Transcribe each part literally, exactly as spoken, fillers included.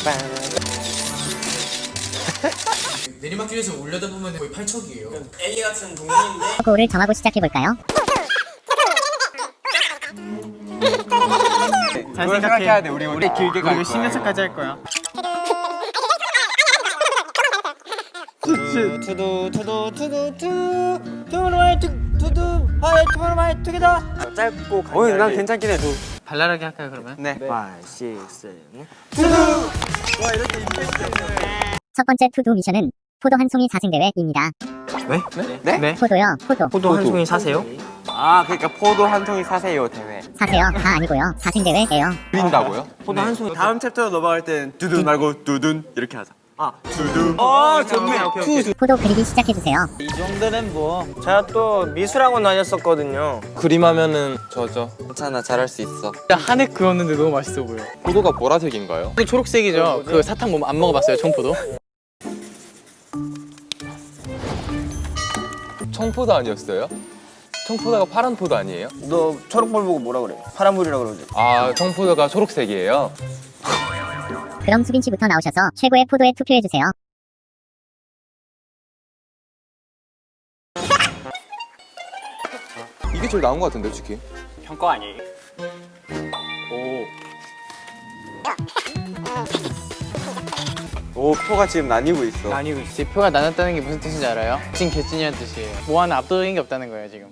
내리막길에서 올려다 보면 거의 팔척이에요. 엘리 같은 동물인데 고를 정하고 시작해볼까요? 잘 생각해야 돼. 우리 우리 길게 가. 우리 십 년차까지 할 거야. 투두 투두 투두 투두 투두 마이 투두 하이 투두 마이 투게더. 짧고 간단하게. 오늘 난 괜찮긴 해. 두. 발랄하게 할까요 그러면? 네. 오, 육, 칠. 투두. 와 이렇게 임팩트 있네. 첫 번째 투두 미션은 포도 한 송이 사생 대회입니다. 네? 네? 네? 포도요, 포도. 포도 한 송이 사세요? 아 그러니까 포도 한 송이 사세요 대회. 사세요. 다 아니고요. 사생 대회예요. 드린다고요? 포도 한 송이. 다음 챕터로 넘어갈 땐 두둔 말고 두둔 이렇게 하자. 아 두둔. 아 좋네. 포도 그리기 시작해주세요. 이 정도는 뭐. 제가 또 미술학원 다녔었거든요. 그림하면은 저죠. 괜찮아, 잘할 수 있어. 한해 그었는데 너무 맛있어 보여. 포도가 보라색인가요? 그 초록색이죠. 그 사탕 뭐 안 먹어봤어요 청포도? 청포도 아니었어요? 청포도가 파란 포도 아니에요? 너 초록볼 보고 뭐라 그래? 파란불이라 그러지. 아, 청포도가 초록색이에요? 그럼 수빈 씨부터 나오셔서 최고의 포도에 투표해주세요. 이게 제일 나은 것 같은데, 솔직히. 형 거 아니에요? 오 표가 지금 나뉘고 있어. 아니고 제 표가 나눴다는 게 무슨 뜻인지 알아요? 진 개찐이라는 뜻이에요. 뭐 하나 압도적인 게 없다는 거예요 지금.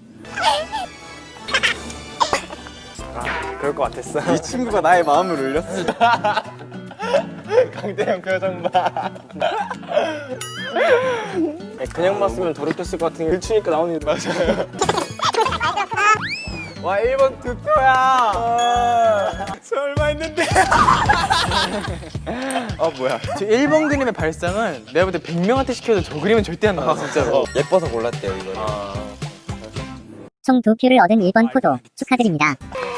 그럴 것 같았어. 이 친구가 나의 마음을 울렸어. 강대형 표정 봐. 그냥 봤으면 더럽혔을 것 같은 게 일치니까 나오는 게 맞아요. 와 일 번 두 표야. 설마 했는데. 아 뭐야? 저 일 번 그림의 발상은 내가 볼 때 백 명한테 시켜도 저 그림은 절대 안 나와 진짜로. 예뻐서 골랐대요, 이거. 총 두 표를 얻은 일 번 포도 축하드립니다.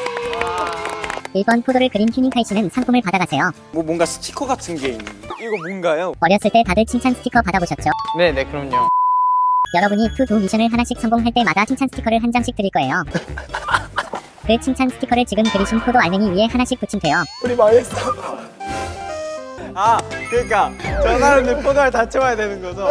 일 번 포도를 그린 튜닝카이 씨는 상품을 받아가세요. 뭐 뭔가 스티커 같은 게 있는. 이거 뭔가요? 어렸을 때 다들 칭찬 스티커 받아보셨죠? 네네 그럼요. 여러분이 투두 미션을 하나씩 성공할 때마다 칭찬 스티커를 한 장씩 드릴 거예요. 그 칭찬 스티커를 지금 그리신 포도 알맹이 위에 하나씩 붙이면 돼요. 우리 망했어. 아 그러니까 저 사람들 포도알 다 채워야 되는 거죠?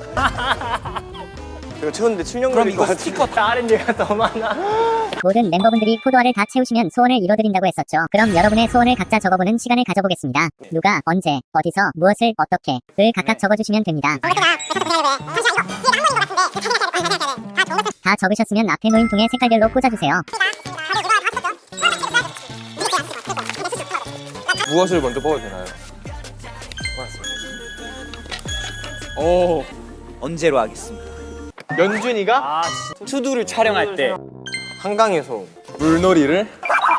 이거 채웠는데 칠 년 걸릴 것 같아. 스티커 다른 얘가 더 많아. 모든 멤버분들이 포도알을 다 채우시면 소원을 이뤄드린다고 했었죠. 그럼 여러분의 소원을 각자 적어보는 시간을 가져보겠습니다. 누가, 언제, 어디서, 무엇을, 어떻게 를 각각 적어주시면 됩니다. 다 적으셨으면 앞에 놓인 통에 색깔별로 꽂아주세요. 무엇을 먼저 뽑아도 되나요? 오 언제로 하겠습니다. 연준이가 아, 투두를 촬영할 때 한강에서 물놀이를?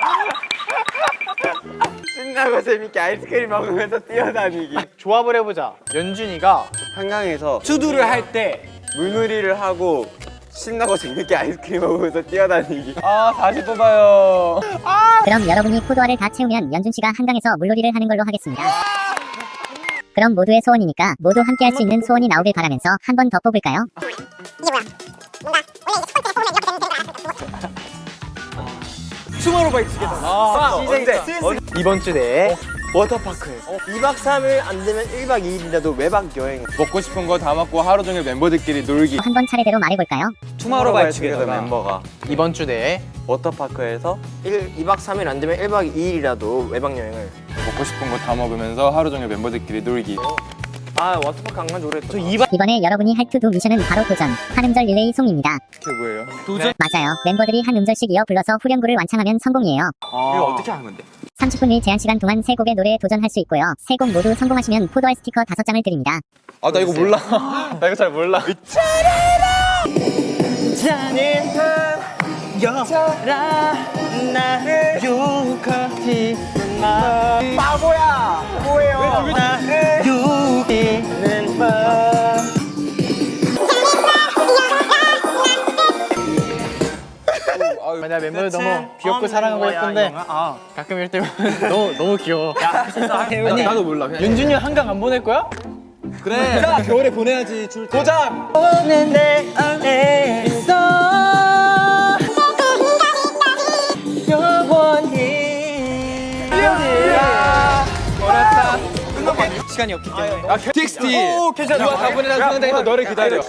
신나고 재밌게 아이스크림 먹으면서 뛰어다니기. 조합을 해보자. 연준이가 한강에서 투두를 할 때 물놀이를 하고 신나고 재밌게 아이스크림 먹으면서 뛰어다니기. 아, 다시 뽑아요. 그럼 여러분이 포도알을 다 채우면 연준씨가 한강에서 물놀이를 하는 걸로 하겠습니다. 그럼 모두의 소원이니까 모두 함께 할 수 있는 소원이 나오길 바라면서 한 번 더 뽑을까요? 투모로우바이 투게더. 아, 언제? 이번 주 내에 워터파크에서 이 박 삼 일 안 되면 일 박 이 일이라도 외박 여행. 먹고 싶은 거 다 먹고 하루 종일 멤버들끼리 놀기. 한 번 차례대로 말해볼까요? 투모로우바이 투게더 투게더가 멤버가 이번 주 내에 워터파크에서 이 박 삼 일 안 되면 일 박 이 일이라도 외박 여행을. 먹고 싶은 거 다 먹으면서 하루 종일 멤버들끼리 놀기. 아 워터파크 안 간지 오래됐다. 이번에 여러분이 할 투두 미션은 바로 도전, 한 음절 릴레이 송입니다. 그게 뭐예요? 맞아요. 멤버들이 한 음절씩 이어 불러서 후렴구를 완창하면 성공이에요. 이거 어떻게 하는 건데? 삼십 분의 제한 시간 동안 세 곡의 노래에 도전할 수 있고요. 세 곡 모두 성공하시면 포도알 스티커 다섯 장을 드립니다. 아, 나 이거 몰라. 나 이거 잘 몰라. 여라 나를 유혹하지 마. 바보야. 뭐예요? 나를 유혹이는 마. 내가 멤버들 너무 귀엽고 사랑하고 예쁜데 가끔 이럴 때면 너무 너무 귀여워. 아니, 나도 몰라. 그냥. 연준이 한강 안 보낼 거야? 그래. 겨울에 보내야지. 줄 도장. 오늘 내 안에 있어 영원히. 야, 어렵다. 시간이 없기 때문에. 아, 티엑스티. 오, 괜찮아. 누가 다 보내는 상대에서 너를 기다려.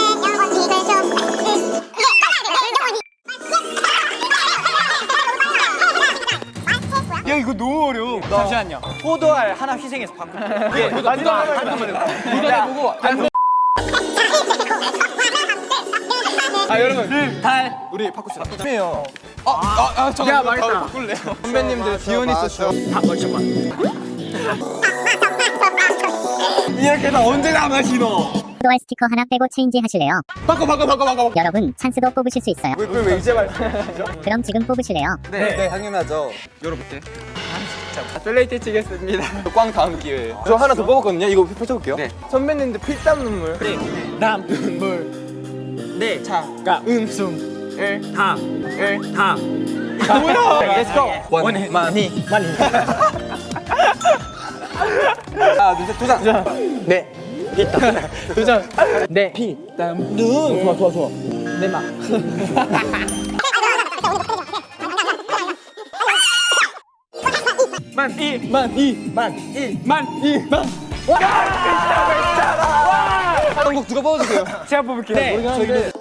야, 이거 너무 어려워. 잠시만요. 포도알 하나 희생해서 바꿀게. 이게 마지막 도전해보고 안 아 여러분 달. 우리 바꿉시다. 바꾸세요. 아아 잠깐. 야 말했다. 바꿀래요. 선배님들 디오니스 쇼. 다 멀쩡한. 이렇게 나 언제 남아시노? 포도알 스티커 하나 빼고 체인지 하실래요? 바꿔 바꿔 바꿔 바꿔. 여러분 찬스도 뽑으실 수 있어요. 그걸 왜 이제 말씀하시죠? 그럼 지금 뽑으실래요? 네, 네, 당연하죠. 열어볼게. 플레이트 치겠습니다. 꽝 다음 기회에. 저 하나 더 뽑았거든요. 이거 펼쳐볼게요. 네. 선배님들 필땀 눈물. 남. 물. 네. 자. 가. 음숨. 을. 다. 을. 다. 뭐야? Let's go. 원해. 많이. 많이. 하나, 둘, 셋, 도전. 네. 도전. 네. 피. 땀. 눈. 좋아, 좋아, 좋아. 내 막. 만 이. 만 이. 만 이. 만 이. 만. 한곡 누가 뽑아주세요. 제가 뽑을게요. 네. 저기.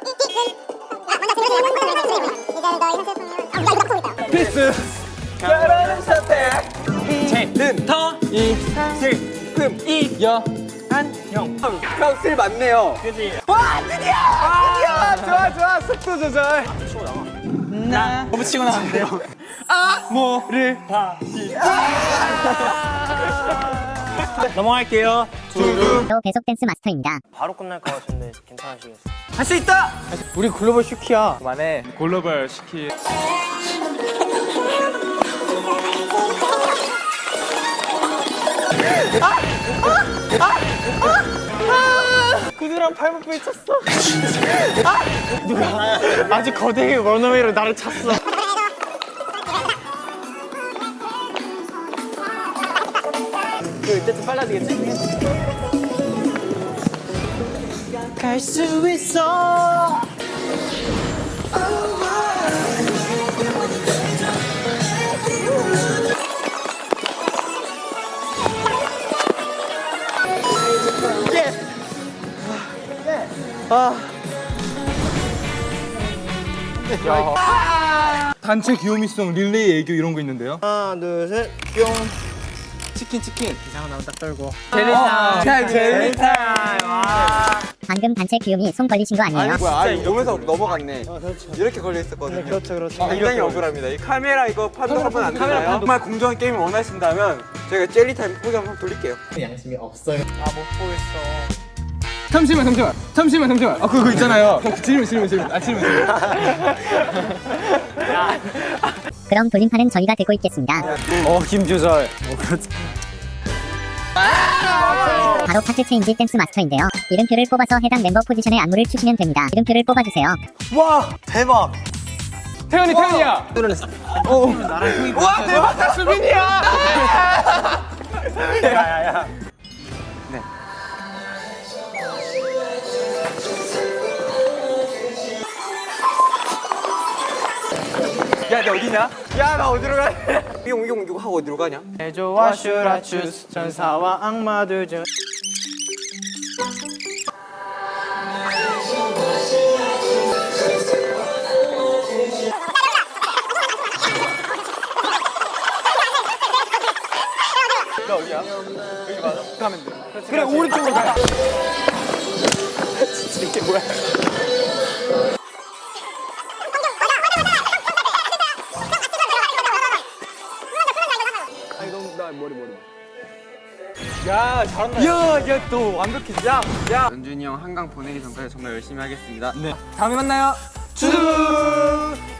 필수. 결혼은 선택. 제. 는. 터. 이. 실. 금. 이. 야. 한. 형. 형쓸 맞네요. 그지. 와, 드디어! 아, 드디어! 좋아, 좋아. 속도 조절. 나. 너무 치고 나왔는데요. 아. 뭐를 다. 넘어갈게요. 두두. 또 계속 댄스 마스터입니다. 바로 끝날 것 같은데 괜찮으시겠어요? 할 수 있다. 우리 글로벌 슈키야. 그만해. 글로벌 시키. 구두랑 팔목 부딪혔어. 아! 누가 아주 거대하게 런어웨이로 나를 찼어. 그 이때쯤 빨라지겠지? 갈 수 있어. 단체 귀요미송 릴레이 애교 이런 거 있는데요. 하나, 둘, 셋, 뿅. 치킨 치킨. 이상한 나무 딱 떨고. 젤리타임. 젤리타임. 와. 방금 단체 귀요미 손 걸리신 거 아니에요? 뭐야, 아, 이거 몸에서 넘어갔네. 이렇게 걸려 있었거든요. 그렇죠, 그렇죠. 굉장히 억울합니다. 이 카메라 이거 판독하면 안 되나요? 정말 공정한 게임을 원하신다면 저희가 젤리타임 포기 한번 돌릴게요. 양심이 없어요. 아, 못 보겠어. 잠시만 잠시만 잠시만 잠시만. 아 그거 있잖아요. 질문 질문 질문. 아 질문 질문. 그럼 돌림판은 저희가 들고 있겠습니다. 어, 김조절. 바로 파트 체인지 댄스 마스터인데요. 이름표를 뽑아서 해당 멤버 포지션의 안무를 추시면 됩니다. 이름표를 뽑아주세요. 와, 대박. 태연이 태연이야. 와, 대박! 다 수빈이야! 야야야. 야, 너 어디냐? 야, 나 어디로 가? 이용, 이용, 이용 하고 어디로 가냐? 해조와 슈라추스 전사와 악마들 중. 너 어디야? 여기 맞아? 가면 돼. 그래, 오른쪽으로 가. 진짜 이게 뭐야? 야, 잘한다. 야, 야, 또 완벽해. 야, 야. 연준이 형 한강 보내기 전까지 정말 열심히 하겠습니다. 다음에 만나요. 쭈!